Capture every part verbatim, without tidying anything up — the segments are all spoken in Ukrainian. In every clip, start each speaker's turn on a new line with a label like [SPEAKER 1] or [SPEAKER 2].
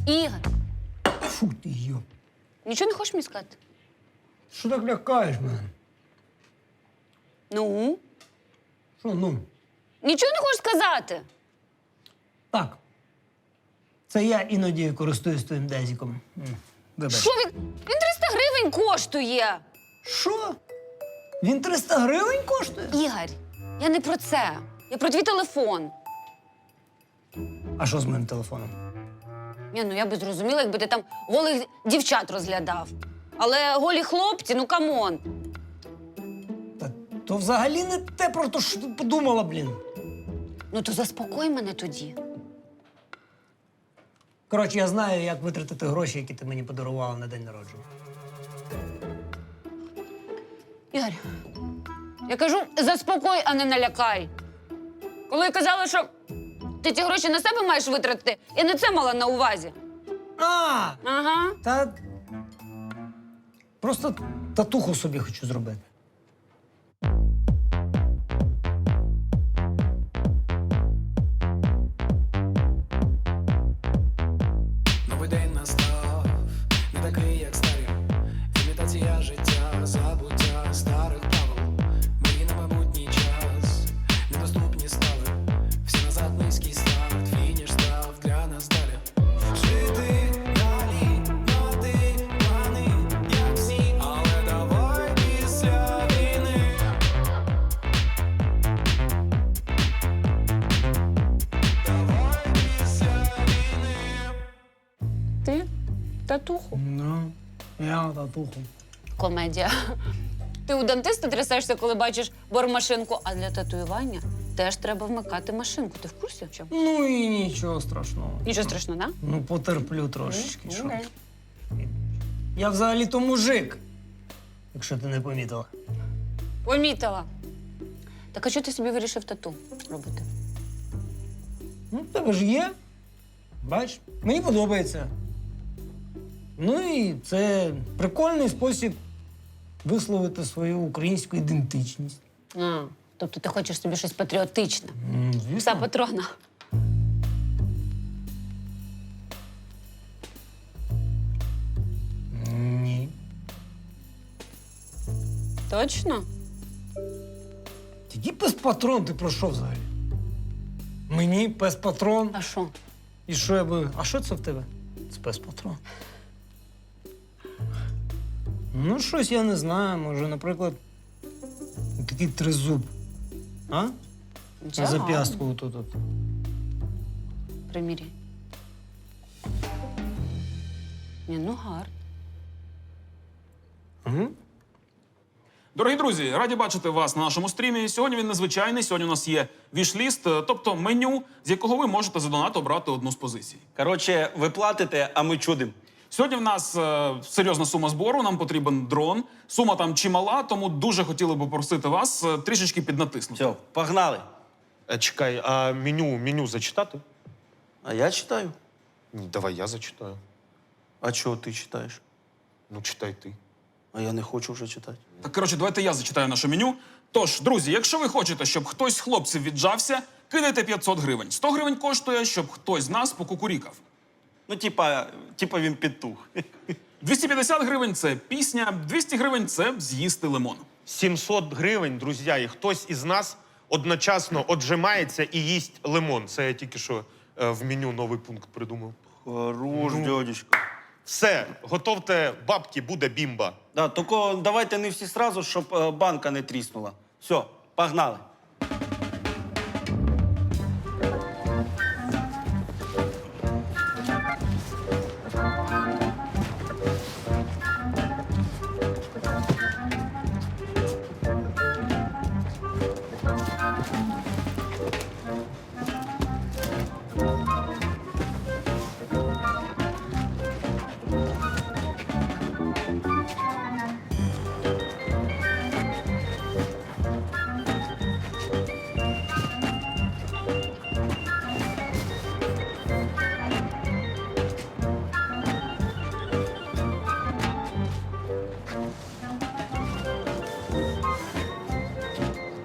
[SPEAKER 1] Ігор,
[SPEAKER 2] Фу ти, йо.
[SPEAKER 1] нічого не хочеш мені сказати?
[SPEAKER 2] Що так лякаєш мене?
[SPEAKER 1] Ну?
[SPEAKER 2] Що, ну?
[SPEAKER 1] Нічого не хочеш сказати?
[SPEAKER 2] Так. Це я іноді користуюсь твоїм дезіком. М, Вибач.
[SPEAKER 1] Що він? Він триста гривень коштує.
[SPEAKER 2] Що? Він триста гривень коштує?
[SPEAKER 1] Ігор, я не про це. Я про твій телефон.
[SPEAKER 2] А що з моїм телефоном?
[SPEAKER 1] Ні, ну я би зрозуміла, якби ти там голих дівчат розглядав. Але голі хлопці, ну камон.
[SPEAKER 2] Та то взагалі не те, про те, що ти подумала, блін.
[SPEAKER 1] Ну то заспокой мене тоді.
[SPEAKER 2] Коротше, я знаю, як витратити гроші, які ти мені подарувала на день народження.
[SPEAKER 1] Ігор, я кажу, заспокой, а не налякай. Коли я казала, що ти ці гроші на себе маєш витратити, я не це мала на увазі.
[SPEAKER 2] А!
[SPEAKER 1] Ага.
[SPEAKER 2] Та просто татуху собі хочу зробити.
[SPEAKER 3] Новий день настав, не такий, як старі. Імітація життя, забуття старих правил. Мрії на майбутній час, недоступні стали. Всі назад низький старт, фініш став для нас далі. Жити далі, мати плани, як всі, але давай після війни. Давай після війни.
[SPEAKER 1] Ти? Татуху.
[SPEAKER 2] Ну, я татуху.
[SPEAKER 1] Комедія. Ти у дантиста трясешся, коли бачиш бормашинку, а для татуювання теж треба вмикати машинку. Ти в курсі в чому?
[SPEAKER 2] Ну і нічого страшного.
[SPEAKER 1] Нічого страшного, да?
[SPEAKER 2] Ну, потерплю трошечки. Що?
[SPEAKER 1] Окей.
[SPEAKER 2] Я взагалі-то мужик, якщо ти не помітила.
[SPEAKER 1] Помітила. Так а чого ти собі вирішив тату робити?
[SPEAKER 2] Ну, в тебе ж є. Бач, мені подобається. Ну і це прикольний спосіб висловити свою українську ідентичність.
[SPEAKER 1] А, тобто ти хочеш собі щось патріотичне.
[SPEAKER 2] М,
[SPEAKER 1] Пса
[SPEAKER 2] Звісно.
[SPEAKER 1] патрона.
[SPEAKER 2] Ні.
[SPEAKER 1] Точно?
[SPEAKER 2] Який пес-патрон ти про що взагалі? Мені пес-патрон.
[SPEAKER 1] А що?
[SPEAKER 2] І що я би. А що це в тебе? Це пес-патрон. Ну, щось я не знаю. Може, наприклад, такий тризуб. А? На зап'ястку тут. от.
[SPEAKER 1] Приміряй. Ні, ну гарно.
[SPEAKER 2] Угу.
[SPEAKER 4] Дорогі друзі, раді бачити вас на нашому стрімі. Сьогодні він незвичайний. Сьогодні у нас є віш-ліст, тобто меню, з якого ви можете за донат обрати одну з позицій.
[SPEAKER 5] Коротше, ви платите, а ми чудимо.
[SPEAKER 4] Сьогодні в нас е, серйозна сума збору, нам потрібен дрон. Сума там чимала, тому дуже хотіли би попросити вас е, трішечки піднатиснути.
[SPEAKER 5] Все, погнали.
[SPEAKER 6] Е, Чекай, а меню, меню зачитати?
[SPEAKER 5] А я читаю.
[SPEAKER 6] Ні, давай я зачитаю.
[SPEAKER 5] А чого ти читаєш?
[SPEAKER 6] Ну, читай ти.
[SPEAKER 5] А я не хочу вже читати.
[SPEAKER 4] Так, коротше, давайте я зачитаю наше меню. Тож, друзі, якщо ви хочете, щоб хтось з хлопців віджався, кидайте п'ятсот гривень. сто гривень коштує, щоб хтось з нас покукурікав.
[SPEAKER 5] Ну, типа, типа він підтух.
[SPEAKER 4] двісті п'ятдесят гривень – це пісня, двісті гривень – це з'їсти лимон.
[SPEAKER 6] сімсот гривень, друзі, і хтось із нас одночасно отжимається і їсть лимон. Це я тільки що е, в меню новий пункт придумав.
[SPEAKER 5] Хорош, дядечко.
[SPEAKER 6] Все, готовте бабки, буде бімба.
[SPEAKER 5] Да, тільки давайте не всі сразу, щоб е, банка не тріснула. Все, погнали.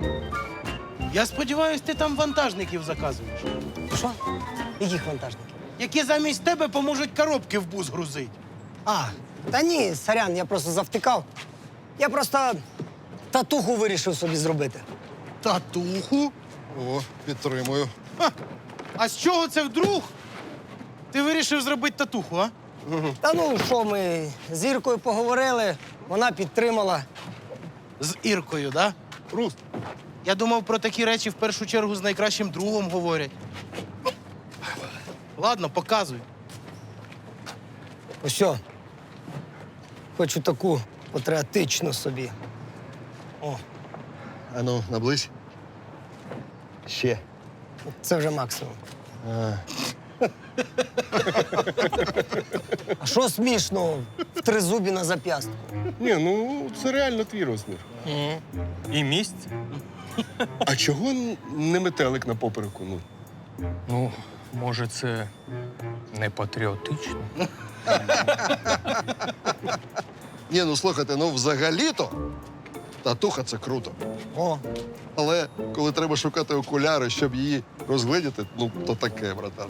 [SPEAKER 7] Я сподіваюся, ти там вантажників заказуєш.
[SPEAKER 2] Що? Яких вантажників?
[SPEAKER 7] які замість тебе поможуть коробки в бус грузити.
[SPEAKER 2] А, та ні, сорян, я просто завтикав. Я просто татуху вирішив собі зробити.
[SPEAKER 7] Татуху?
[SPEAKER 8] О, підтримую.
[SPEAKER 7] Ха. А з чого це вдруг? Ти вирішив зробити татуху, а?
[SPEAKER 2] Та ну що, ми з Іркою поговорили, вона підтримала.
[SPEAKER 7] З Іркою, да?
[SPEAKER 8] Рус,
[SPEAKER 7] Я думав, про такі речі в першу чергу з найкращим другом говорять. Ладно, показуй.
[SPEAKER 2] Ось що. Хочу таку патріотичну собі. О,
[SPEAKER 8] ану, наблизь. Ще.
[SPEAKER 2] це вже максимум.
[SPEAKER 8] А,
[SPEAKER 2] А що смішно в тризубі на зап'ястку?
[SPEAKER 8] ні, ну це реально твій розмір.
[SPEAKER 9] І місць?
[SPEAKER 8] А чого н- не метелик на попереку? Ну?
[SPEAKER 9] Ну, може, це не патріотично.
[SPEAKER 8] Ні, ну слухайте, ну взагалі-то татуха це круто.
[SPEAKER 2] О,
[SPEAKER 8] Але коли треба шукати окуляри, щоб її розгледіти, ну то таке, братан.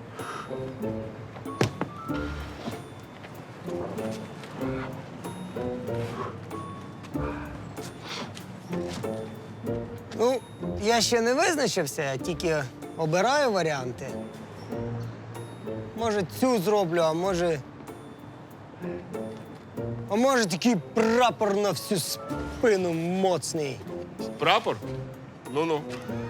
[SPEAKER 2] ну, я ще не визначився, я тільки обираю варіанти. Може, цю зроблю, а може. А може, такий прапор на всю спину моцний.
[SPEAKER 6] Прапор? Ну-ну.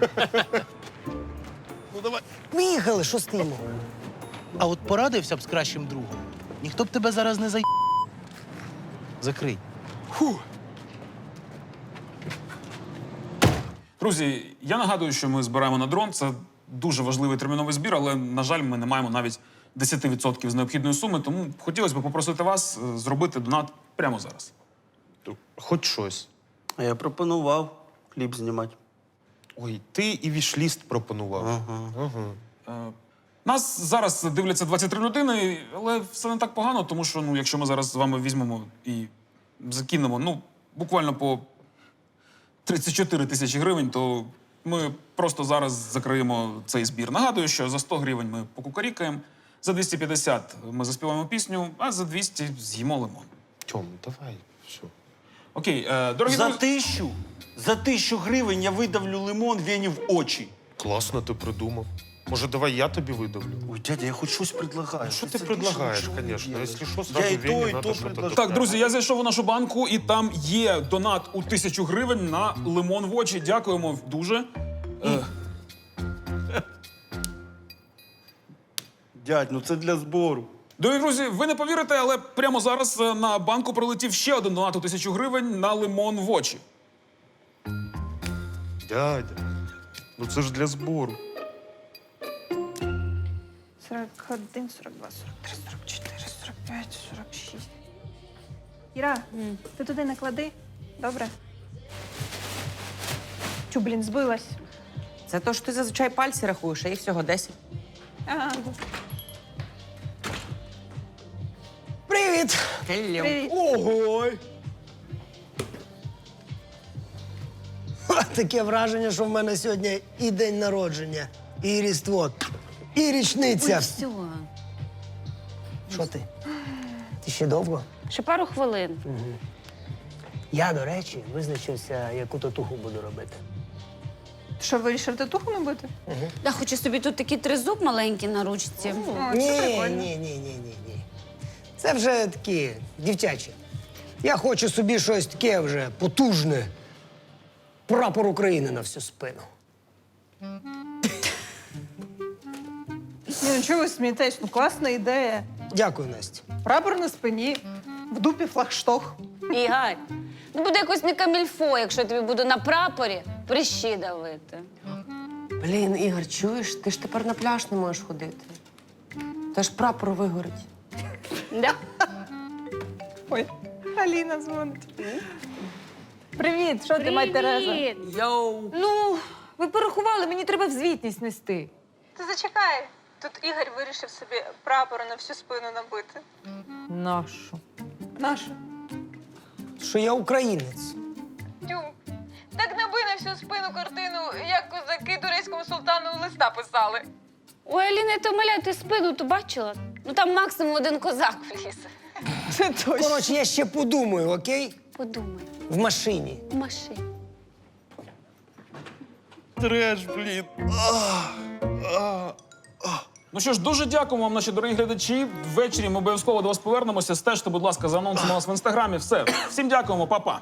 [SPEAKER 7] Ну давай.
[SPEAKER 2] Поїхали, що стоїмо?
[SPEAKER 7] А от порадився б з кращим другом. Ніхто б тебе зараз не зай... Закрий.
[SPEAKER 4] Друзі, я нагадую, що ми збираємо на дрон. Це дуже важливий терміновий збір, але, на жаль, ми не маємо навіть десять відсотків з необхідної суми, тому хотілося б попросити вас е, зробити донат прямо зараз.
[SPEAKER 6] Хоч щось.
[SPEAKER 5] А я пропонував кліп знімати.
[SPEAKER 6] Ой, ти і вішліст пропонував.
[SPEAKER 5] Ага.
[SPEAKER 6] Ага.
[SPEAKER 4] Е, Нас зараз дивляться двадцять три людини, але все не так погано, тому що ну, якщо ми зараз з вами візьмемо і закинемо ну, буквально по тридцять чотири тисячі гривень, то ми просто зараз закриємо цей збір. Нагадую, що за сто гривень ми покукарікаємо, за двісті п'ятдесят ми заспіваємо пісню, а за двісті з'їмо лимон.
[SPEAKER 6] Тьом, давай, все.
[SPEAKER 4] Окей, е, дорогі
[SPEAKER 5] За
[SPEAKER 4] друзі.
[SPEAKER 5] тисячу, за тисячу гривень я видавлю лимон Вені в очі.
[SPEAKER 6] Класно ти придумав. Може, давай я тобі видавлю?
[SPEAKER 5] Ой, дядя, я хоч щось предлагаю.
[SPEAKER 6] Що ти
[SPEAKER 5] це
[SPEAKER 6] предлагаєш,
[SPEAKER 5] більше нічого не
[SPEAKER 6] звісно?
[SPEAKER 5] є.
[SPEAKER 6] Якщо що,
[SPEAKER 5] Я
[SPEAKER 6] сразу
[SPEAKER 5] і то,
[SPEAKER 6] Вені
[SPEAKER 5] і
[SPEAKER 6] надо
[SPEAKER 5] то
[SPEAKER 6] що-то
[SPEAKER 5] предлагаю.
[SPEAKER 4] Так, друзі, я зайшов у нашу банку, і там є донат у тисячу гривень на лимон в очі. Дякуємо дуже. Е,
[SPEAKER 5] Дядь, ну це для збору.
[SPEAKER 4] Дорогі друзі, ви не повірите, але прямо зараз е, на банку прилетів ще один донат у тисячу гривень на лимон в очі.
[SPEAKER 6] Дядя, ну це ж для збору.
[SPEAKER 10] сорок один, сорок два, сорок три, сорок чотири, сорок п'ять, сорок шість. Іра, ти туди наклади. Добре? Чу, блін, збилась.
[SPEAKER 11] Це то, що ти зазвичай пальці рахуєш, а їх всього десять.
[SPEAKER 10] Ага.
[SPEAKER 2] Привіт!
[SPEAKER 10] Привіт.
[SPEAKER 2] Ого! Ха, таке враження, що в мене сьогодні і день народження, і Різдво, і річниця.
[SPEAKER 1] Все.
[SPEAKER 2] Що ти? Ти ще довго?
[SPEAKER 1] Ще пару хвилин.
[SPEAKER 2] Я, до речі, визначився, яку татуху буду робити.
[SPEAKER 10] Ти що, вирішив татуху набити?
[SPEAKER 1] Да, хочу собі тут такий тризуб маленький на ручці.
[SPEAKER 10] О,
[SPEAKER 2] Ні,
[SPEAKER 10] це
[SPEAKER 2] ні,
[SPEAKER 10] прикольно.
[SPEAKER 2] ні, ні, ні, ні. Це вже такі дівчачі. Я хочу собі щось таке вже потужне. Прапор України на всю спину.
[SPEAKER 10] Ні, ну чого ви смієтесь? Ну класна ідея.
[SPEAKER 2] Дякую, Настя.
[SPEAKER 10] Прапор на спині, в дупі флагшток.
[SPEAKER 1] Ігор, ну буде якось не камільфо, якщо я тобі буду на прапорі прищі давити.
[SPEAKER 11] Блін, Ігор, чуєш? Ти ж тепер на пляж не можеш ходити. Та ж прапор вигорить.
[SPEAKER 1] Да?
[SPEAKER 10] Ой, Аліна дзвонить. Привіт, що ти, мать Тереза?
[SPEAKER 11] Йоу!
[SPEAKER 10] Ну, ви порахували, мені треба в звітність нести.
[SPEAKER 12] Ти зачекай. Тут Ігор вирішив собі прапор на всю спину набити.
[SPEAKER 10] Нашу. Нашу?
[SPEAKER 2] Що я українець.
[SPEAKER 12] Тю, так наби на всю спину картину, як козаки турецькому султану листа писали.
[SPEAKER 1] Ой, Аліна, я тебе умоляю, ти спину то бачила? Ну там максимум один козак вліз.
[SPEAKER 10] Це точно.
[SPEAKER 2] Коротше, я ще подумаю, окей?
[SPEAKER 1] Подумай,
[SPEAKER 2] В машині.
[SPEAKER 1] в машині.
[SPEAKER 6] Треш, блін.
[SPEAKER 4] Ну що ж, дуже дякуємо вам, наші дорогі глядачі. Ввечері ми обов'язково до вас повернемося. Стежте, будь ласка, за анонсом у нас в інстаграмі. Все. Всім дякуємо, па-па.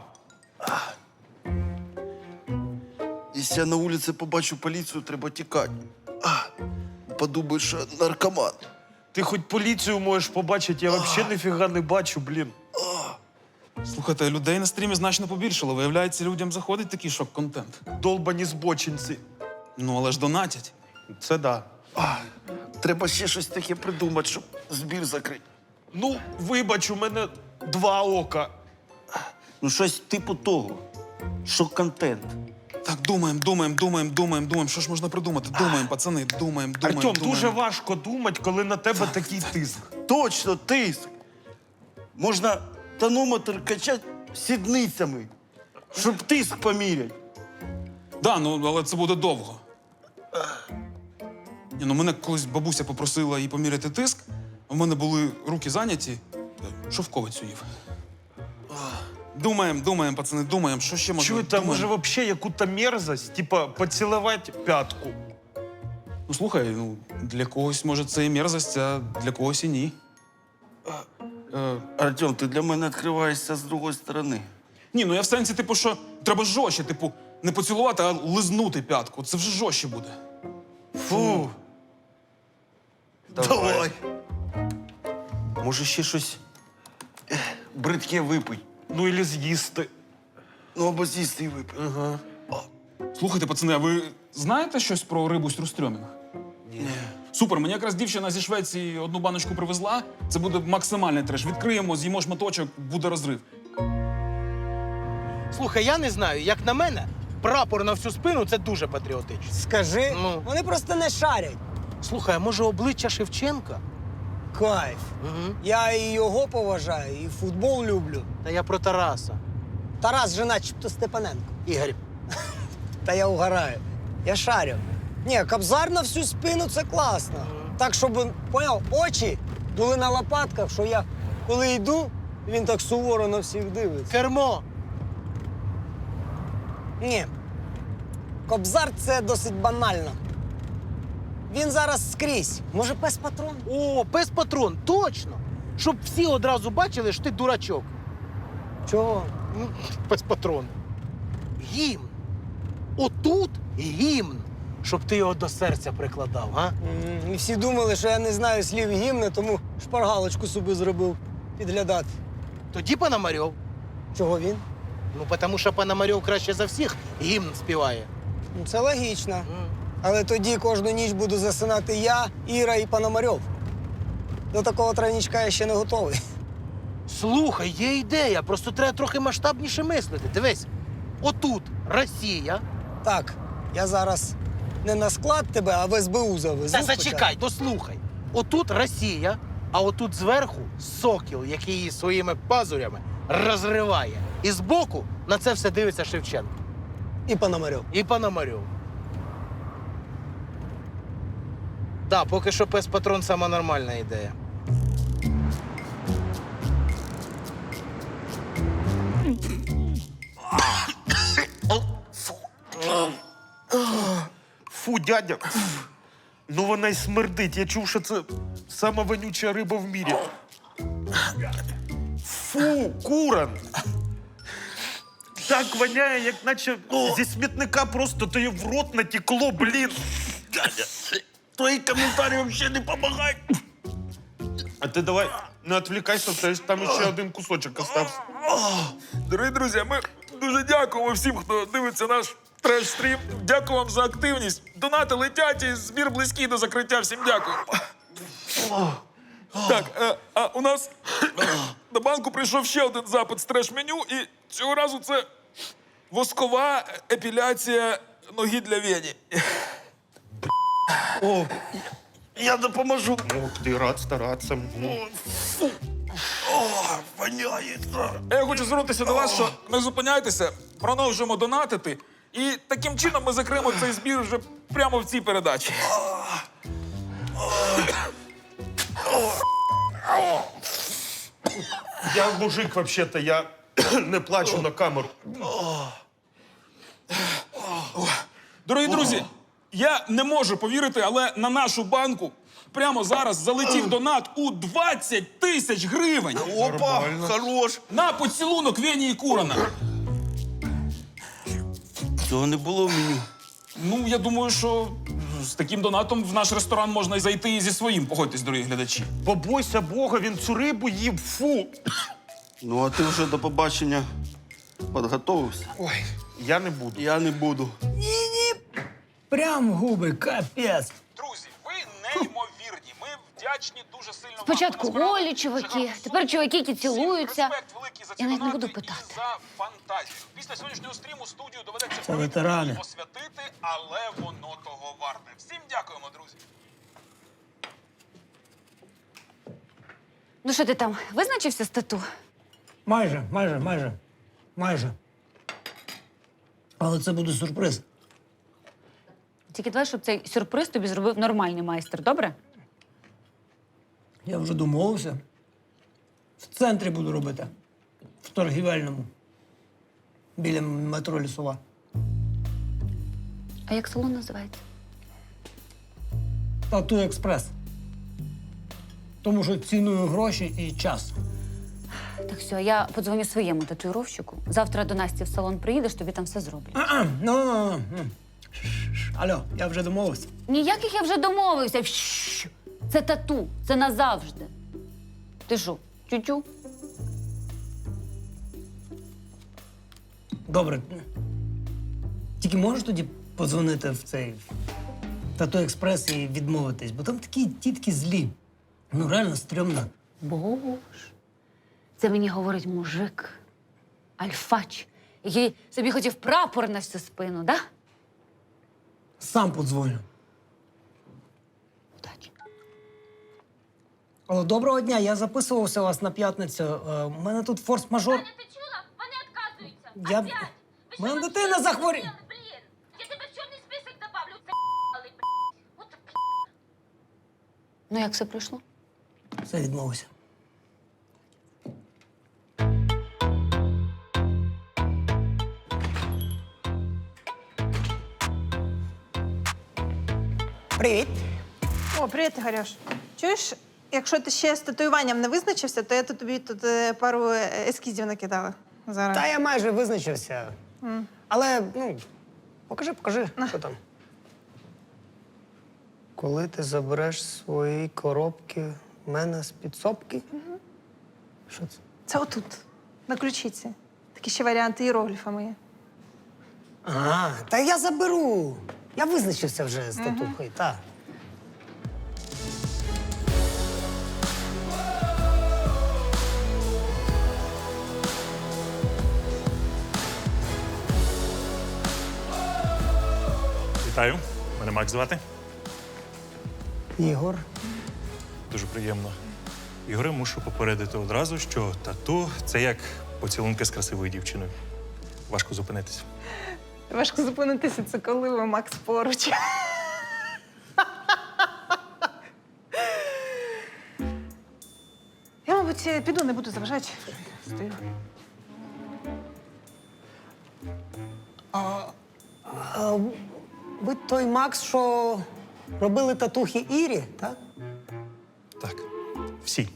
[SPEAKER 8] Якщо я на вулиці побачу поліцію, треба тікати. А, подумаю, що наркоман.
[SPEAKER 6] Ти хоч поліцію можеш побачити, я взагалі ніфіга не бачу, блін.
[SPEAKER 4] Слухайте, людей на стрімі значно побільшало. Виявляється, людям заходить такий шок-контент.
[SPEAKER 6] Долбані збочинці.
[SPEAKER 4] Ну, але ж донатять.
[SPEAKER 6] Це да.
[SPEAKER 8] Треба ще щось таке придумати, щоб збір закрити.
[SPEAKER 6] Ну, вибач, у мене два ока.
[SPEAKER 5] Ну, щось типу того. Шок-контент.
[SPEAKER 4] Так, думаємо, думаємо, думаємо, думаємо, думаємо. Що ж можна придумати? Думаємо, пацани, думаємо, думаємо,
[SPEAKER 6] Артем,
[SPEAKER 4] думаємо.
[SPEAKER 6] дуже важко думати, коли на тебе такий тиск.
[SPEAKER 5] Точно, тиск. Можна тонометр качати сідницями, щоб тиск поміряти.
[SPEAKER 4] Да, ну, але це буде довго. Ні, ну, мене колись бабуся попросила їй поміряти тиск, а в мене були руки зайняті, шовковицю їв. Думаємо, думаємо, пацани, думаємо, що ще можна.
[SPEAKER 6] Чуєте,
[SPEAKER 4] думаємо.
[SPEAKER 6] може взагалі яку-то мерзость, типа поцілувати п'ятку.
[SPEAKER 4] Ну, слухай, ну, для когось, може, це і мерзость, а для когось і ні. Е,
[SPEAKER 5] Артем, ти для мене відкриваєшся з другої сторони.
[SPEAKER 4] ні, ну я в сенсі, типу, що треба жорстче, типу, не поцілувати, а лизнути п'ятку. Це вже жорстче буде.
[SPEAKER 5] Фу. Давай. Може, ще щось ех, бридке випий.
[SPEAKER 6] Ну, і з'їсти.
[SPEAKER 5] Ну, або з'їсти і випий.
[SPEAKER 6] Ага.
[SPEAKER 4] Слухайте, пацани, а ви знаєте щось про рибу стрюстрьомінг? Ні. Супер, мені якраз дівчина зі Швеції одну баночку привезла. Це буде максимальний треш. Відкриємо, з'їмо шматочок, буде розрив.
[SPEAKER 7] Слухай, я не знаю, як на мене, прапор на всю спину це дуже патріотично.
[SPEAKER 2] Скажи,
[SPEAKER 7] Ну.
[SPEAKER 2] вони просто не шарять.
[SPEAKER 7] Слухай, а може обличчя Шевченка?
[SPEAKER 2] Кайф.
[SPEAKER 7] Угу.
[SPEAKER 2] Я і його поважаю, і футбол люблю.
[SPEAKER 7] Та я про Тараса.
[SPEAKER 2] Тарас же начебто Степаненко.
[SPEAKER 7] Ігор,
[SPEAKER 2] Та я угораю. Я шарю. Ні, кобзар на всю спину це класно. Так, щоб, поняв, очі були на лопатках, що я, коли йду, він так суворо на всіх дивиться.
[SPEAKER 7] кермо.
[SPEAKER 2] Ні. Кобзар це досить банально. Він зараз скрізь. Може, пес патрон?
[SPEAKER 7] О, пес патрон, точно. Щоб всі одразу бачили, що ти дурачок.
[SPEAKER 2] Чого?
[SPEAKER 7] М, Пес патрон. Гімн. Отут гімн. Щоб ти його до серця прикладав, га?
[SPEAKER 2] М, І всі думали, що я не знаю слів гімни, тому шпаргалочку собі зробив підглядати.
[SPEAKER 7] Тоді Пономарьов.
[SPEAKER 2] Чого він?
[SPEAKER 7] Ну, тому що Пономарьов краще за всіх гімн співає.
[SPEAKER 2] Ну, це логічно.
[SPEAKER 7] М.
[SPEAKER 2] Але тоді кожну ніч буду засинати я, Іра і Пономарьов. До такого тройничка я ще не готовий.
[SPEAKER 7] Слухай, є ідея, просто треба трохи масштабніше мислити. Дивись, отут Росія.
[SPEAKER 2] Так, я зараз не на склад тебе, а в ес бе у завезу.
[SPEAKER 7] Та
[SPEAKER 2] спочатку.
[SPEAKER 7] зачекай, дослухай. Отут Росія, а отут зверху сокіл, який її своїми пазурями розриває. І збоку на це все дивиться Шевченко.
[SPEAKER 2] І Пономарьов.
[SPEAKER 7] І Пономарьов. Так, поки що пес патрон сама нормальна ідея.
[SPEAKER 6] Фу, дядя. Ну вона й смердить. Я чув, що це сама вонюча риба в мірі. Фу, куран. Так воняє, як наче зі смітника просто то й в рот натекло, блін.
[SPEAKER 5] Дядя, твої коментарі взагалі не допомагають.
[SPEAKER 6] А ти давай не відвлікайся, те ж там ще один кусочок остався.
[SPEAKER 4] Дорогі друзі, ми дуже дякуємо всім, хто дивиться наш треш-стрім. Дякую вам за активність. Донати летять і збір близький до закриття. Всім дякую. Так, е, а у нас до банку прийшов ще один запит з треш-меню, і цього разу це воскова епіляція ноги для Вені.
[SPEAKER 5] О, я допоможу.
[SPEAKER 6] Ох, ти рад старатися.
[SPEAKER 5] Фу. О, воняється.
[SPEAKER 4] Я хочу звернутися до вас, що не зупиняйтеся, продовжуємо донатити. І таким чином ми закриємо цей збір вже прямо в цій передачі.
[SPEAKER 6] Я мужик, взагалі-то, я не плачу на камеру.
[SPEAKER 4] Дорогі друзі, я не можу повірити, але на нашу банку прямо зараз залетів донат у двадцять тисяч гривень.
[SPEAKER 8] Опа, хорош.
[SPEAKER 4] На поцілунок Вені і Курана.
[SPEAKER 5] Цього не було в меню.
[SPEAKER 4] Ну, я думаю, що з таким донатом в наш ресторан можна і зайти і зі своїм. Погодьтесь, дорогі глядачі.
[SPEAKER 6] Побойся Бога, він цю рибу їв, фу.
[SPEAKER 8] Ну, а ти вже до побачення підготовився?
[SPEAKER 6] Ой, я не буду.
[SPEAKER 8] Я не буду.
[SPEAKER 2] Прям губи, капець.
[SPEAKER 4] Друзі, ви неймовірні. Ми вдячні дуже сильно вам.
[SPEAKER 1] Спочатку
[SPEAKER 4] Ви насправді
[SPEAKER 1] голі
[SPEAKER 4] дуже
[SPEAKER 1] чуваки,
[SPEAKER 4] гарно
[SPEAKER 1] тепер чуваки, які
[SPEAKER 4] Всім
[SPEAKER 1] цілуються.
[SPEAKER 4] респект великий за ці
[SPEAKER 1] Я навіть не
[SPEAKER 4] донати
[SPEAKER 1] буду питати.
[SPEAKER 4] і за фантазію. Після сьогоднішнього стріму студію доведеться
[SPEAKER 2] Це ветерани.
[SPEAKER 4] освятити, але воно того варте. Всім дякуємо, друзі.
[SPEAKER 1] Ну що ти там, визначився з тату?
[SPEAKER 2] Майже, майже, майже, майже. Але це буде сюрприз.
[SPEAKER 1] Тільки давай, щоб цей сюрприз тобі зробив нормальний майстер, добре?
[SPEAKER 2] Я вже домовився. В центрі буду робити. В торгівельному. Біля метро Лісова.
[SPEAKER 1] А як салон називається?
[SPEAKER 2] Тату експрес. Тому що ціную гроші і час.
[SPEAKER 1] Так все, я подзвоню своєму татуїровщику. Завтра до Насті в салон приїдеш, тобі там все зроблять.
[SPEAKER 2] А-а, ну, ну, ну. Ш-ш-ш. Алло, я вже домовився.
[SPEAKER 1] Ніяких я вже домовився. Щ. Це тату, це назавжди. Ти що, тютю?
[SPEAKER 2] Добре. Тільки можеш тоді подзвонити в цей Тату експрес і відмовитись, бо там такі тітки злі. Ну, реально стрьомно.
[SPEAKER 1] Боже. Це мені говорить мужик, альфач, який собі хотів прапор на всю спину, да?
[SPEAKER 2] Сам подзвоню.
[SPEAKER 1] Удачі.
[SPEAKER 2] Алло, доброго дня, я записувався у вас на п'ятницю. Е, У мене тут форс-мажор.
[SPEAKER 12] Ти чула? Вони відказуються.
[SPEAKER 2] Я-
[SPEAKER 12] Опять. Ви що,
[SPEAKER 2] Мене
[SPEAKER 12] вообще
[SPEAKER 2] дитина захворі-
[SPEAKER 12] охуєли, блін? Я тебе в чорний список добавлю. Це блін. От
[SPEAKER 1] Ну, як все пройшло?
[SPEAKER 2] Все, відмовився. Привіт.
[SPEAKER 10] О, привіт, Ігорюш. Чуєш, якщо ти ще з татуюванням не визначився, то я тут тобі тут е, пару е, ескізів накидала. Зараз.
[SPEAKER 2] Та я майже визначився. Але, ну, покажи, покажи, що там. Коли ти забереш свої коробки в мене з підсобки? Що це?
[SPEAKER 10] Це отут, на ключиці. Такі ще варіанти іерогліфами є.
[SPEAKER 2] А, та я заберу. Я визначився вже з татухою, так.
[SPEAKER 13] Вітаю, мене Макс звати.
[SPEAKER 2] Ігор.
[SPEAKER 13] Дуже приємно. Ігоре, мушу попередити одразу, що тату це як поцілунки з красивою дівчиною. Важко зупинитися.
[SPEAKER 10] Важко зупинитися, це коли ви Макс поруч. Я, мабуть, піду, не буду заважати. Стою.
[SPEAKER 2] А ви той Макс, що робили татухи Ірі, так?
[SPEAKER 13] Так, всі.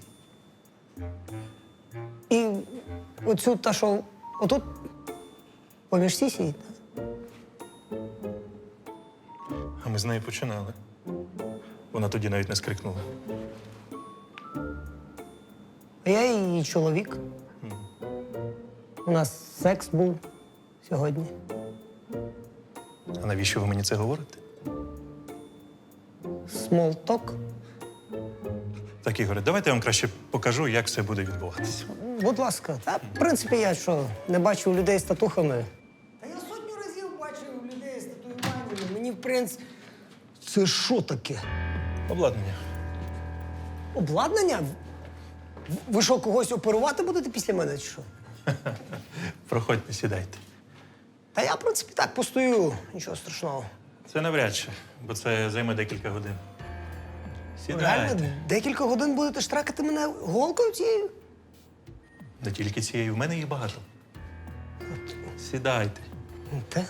[SPEAKER 2] І оцю та, що отут поміж сісій, так?
[SPEAKER 13] А ми з нею починали. Вона тоді навіть не скрикнула.
[SPEAKER 2] А я її чоловік. У нас секс був сьогодні.
[SPEAKER 13] А навіщо ви мені це говорите?
[SPEAKER 2] Смолток.
[SPEAKER 13] Так, Ігоре, давайте я вам краще покажу, як все буде відбуватися.
[SPEAKER 2] Будь ласка. Та, в принципі, я що, не бачив людей з татухами. Та я сотню разів бачив людей з татуюваннями. Мені, в принципі. Це що таке?
[SPEAKER 13] Обладнання.
[SPEAKER 2] Обладнання? Ви що, когось оперувати будете після мене, чи що?
[SPEAKER 13] Проходьте, сідайте.
[SPEAKER 2] Та я, в принципі, так постою, нічого страшного.
[SPEAKER 13] Це навряд чи, бо це займе декілька годин.
[SPEAKER 2] Реально, декілька годин будете штракати мене голкою цією?
[SPEAKER 13] Не тільки цієї, в мене їх багато. Сідайте.
[SPEAKER 2] Так.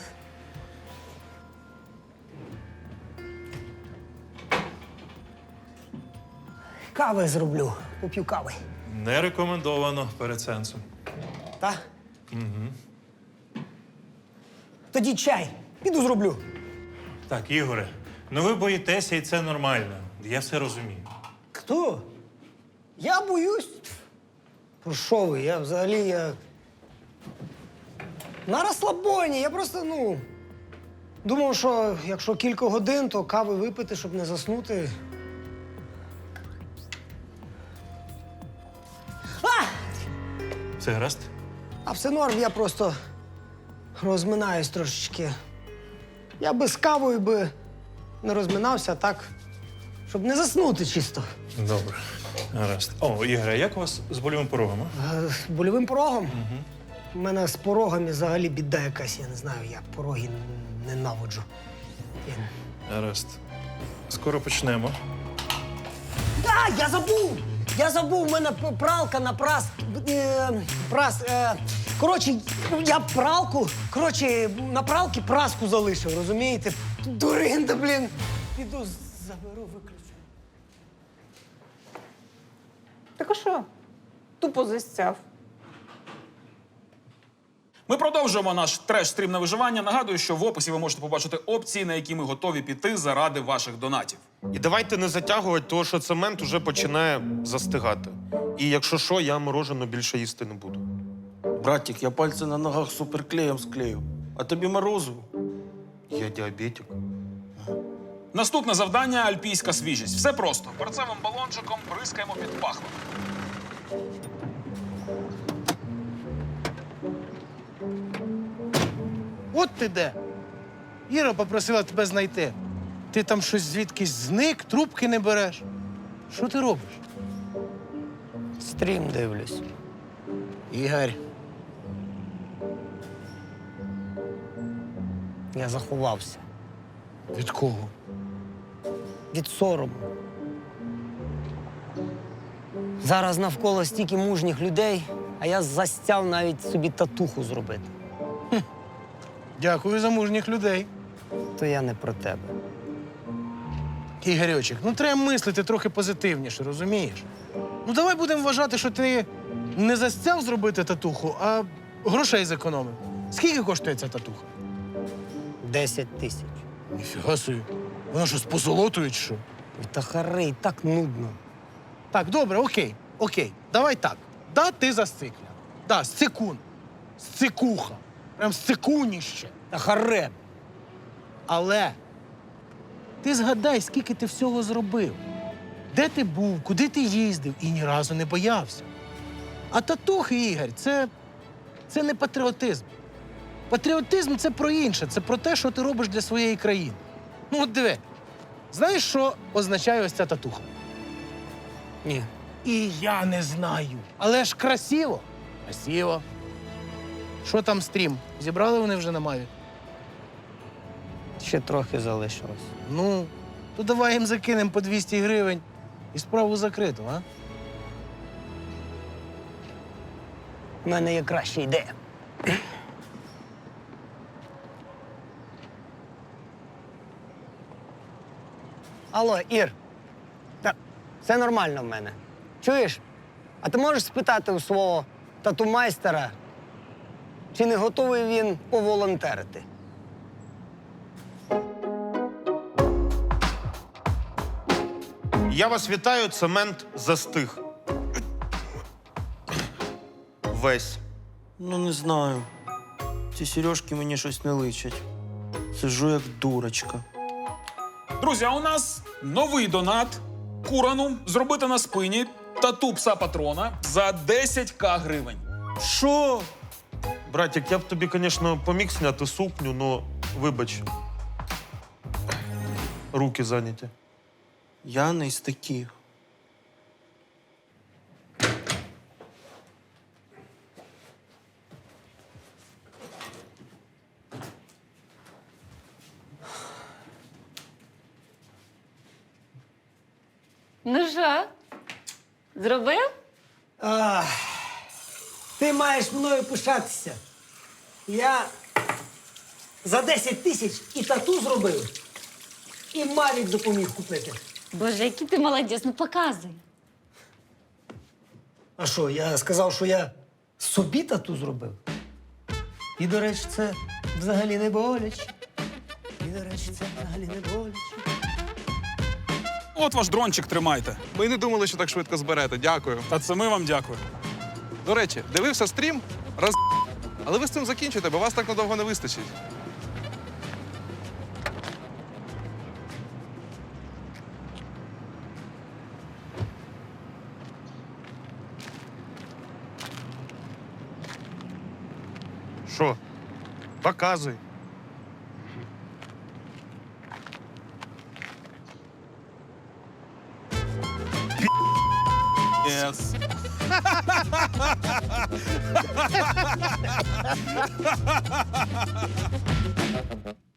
[SPEAKER 2] Кави зроблю, поп'ю кави.
[SPEAKER 13] Не рекомендовано перед сеансом.
[SPEAKER 2] Та? Угу. Тоді чай. Піду зроблю.
[SPEAKER 13] Так, Ігоре, ну ви боїтеся, і це нормально. Я все розумію.
[SPEAKER 2] Хто? Я боюсь. Про що ви? Я взагалі я. На розслабоні. Я просто, ну. Думав, що якщо кілька годин, то кави випити, щоб не заснути. А!
[SPEAKER 13] Все гаразд?
[SPEAKER 2] А все норм, я просто розминаюсь трошечки. Я би з кавою би не розминався, а так, щоб не заснути чисто.
[SPEAKER 13] Добре. Гаразд. О, Ігоре, як у вас з больовим порогом? А?
[SPEAKER 2] Е, З больовим порогом? Угу. У мене з порогами взагалі біда якась, я не знаю, я пороги ненавиджу. Я...
[SPEAKER 13] Гаразд. Скоро почнемо.
[SPEAKER 2] А, я забув! Я забув, у мене п- пралка на прас. Е, прас. Е, коротше, я пралку. Коротше, на пралки праску залишив, розумієте? Дуринда, блін. Піду заберу, виключу.
[SPEAKER 10] Так а що? Тупо застяв.
[SPEAKER 4] Ми продовжуємо наш треш-стрім на виживання. Нагадую, що в описі ви можете побачити опції, на які ми готові піти заради ваших донатів.
[SPEAKER 6] І давайте не затягувати, тому що цемент уже починає застигати. І якщо що, я мороженого більше їсти не буду.
[SPEAKER 5] Братик, я пальці на ногах суперклеєм склею. А тобі морозиво?
[SPEAKER 6] Я діабетик.
[SPEAKER 4] Наступне завдання – альпійська свіжість. Все просто. Перцевим балончиком бризкаємо під пахвами.
[SPEAKER 7] От ти де. Іра попросила тебе знайти. Ти там щось звідкись зник, трубки не береш. Що ти робиш?
[SPEAKER 2] Стрім дивлюсь.
[SPEAKER 7] Ігор.
[SPEAKER 2] Я заховався.
[SPEAKER 7] Від кого?
[SPEAKER 2] Від сорому. Зараз навколо стільки мужніх людей, а я застяв навіть собі татуху зробити.
[SPEAKER 7] Дякую за мужніх людей.
[SPEAKER 2] То я не про тебе.
[SPEAKER 7] Ігорьочек, ну треба мислити трохи позитивніше, розумієш? Ну давай будемо вважати, що ти не застяв зробити татуху, а грошей зекономив. Скільки коштує ця татуха?
[SPEAKER 2] Десять тисяч.
[SPEAKER 7] Ніфіга собі. Вона що, з позолотою чи що?
[SPEAKER 2] Та хари, так нудно.
[SPEAKER 7] Так, добре, окей, окей. Давай так. Да, ти зацикля. Да, сцикун. Сцикуха. Прям сцикуніще.
[SPEAKER 2] Та харе.
[SPEAKER 7] Але ти згадай, скільки ти всього зробив. Де ти був, куди ти їздив і ні разу не боявся. А татухи, Ігор, це, це не патріотизм. Патріотизм – це про інше, це про те, що ти робиш для своєї країни. Ну от диви, знаєш, що означає ось ця татуха?
[SPEAKER 2] Ні.
[SPEAKER 7] І я не знаю. Але ж красиво. Красиво. Що там стрім? Зібрали вони вже на Маві?
[SPEAKER 2] Ще трохи залишилось.
[SPEAKER 7] Ну, то давай їм закинемо по двісті гривень і справу закриту, а?
[SPEAKER 2] У мене є краща ідея. Алло, Ір. Та все нормально в мене. Чуєш? А ти можеш спитати у свого тату-майстера, чи не готовий він поволонтерити?
[SPEAKER 6] Я вас вітаю, цемент застиг. Весь.
[SPEAKER 5] Ну, не знаю. Ці сережки мені щось не личать. Сижу як дурочка.
[SPEAKER 4] Друзі, а у нас новий донат Курану зробити на спині тату пса патрона за десять ка гривень.
[SPEAKER 6] Що? Братик, я б тобі, звісно, поміг зняти сукню, но вибач. Руки зайняті.
[SPEAKER 5] Я не із таких.
[SPEAKER 1] Ну що, зробив?
[SPEAKER 2] Ах, ти маєш мною пишатися. Я за десять тисяч і тату зробив, і Мавік допоміг купити.
[SPEAKER 1] Боже, який ти молодець, ну показуй.
[SPEAKER 2] А що, я сказав, що я собі тату зробив? І, до речі, це взагалі не боляче. І, до речі, це взагалі не боляче.
[SPEAKER 4] От ваш дрончик тримайте.
[SPEAKER 14] Ми не думали, що так швидко зберете. Дякую.
[SPEAKER 4] Та це ми вам дякуємо.
[SPEAKER 14] До речі, дивився стрім, роз... Але ви з цим закінчуйте, бо вас так надовго не вистачить.
[SPEAKER 6] Що? Показуй.
[SPEAKER 4] Yes.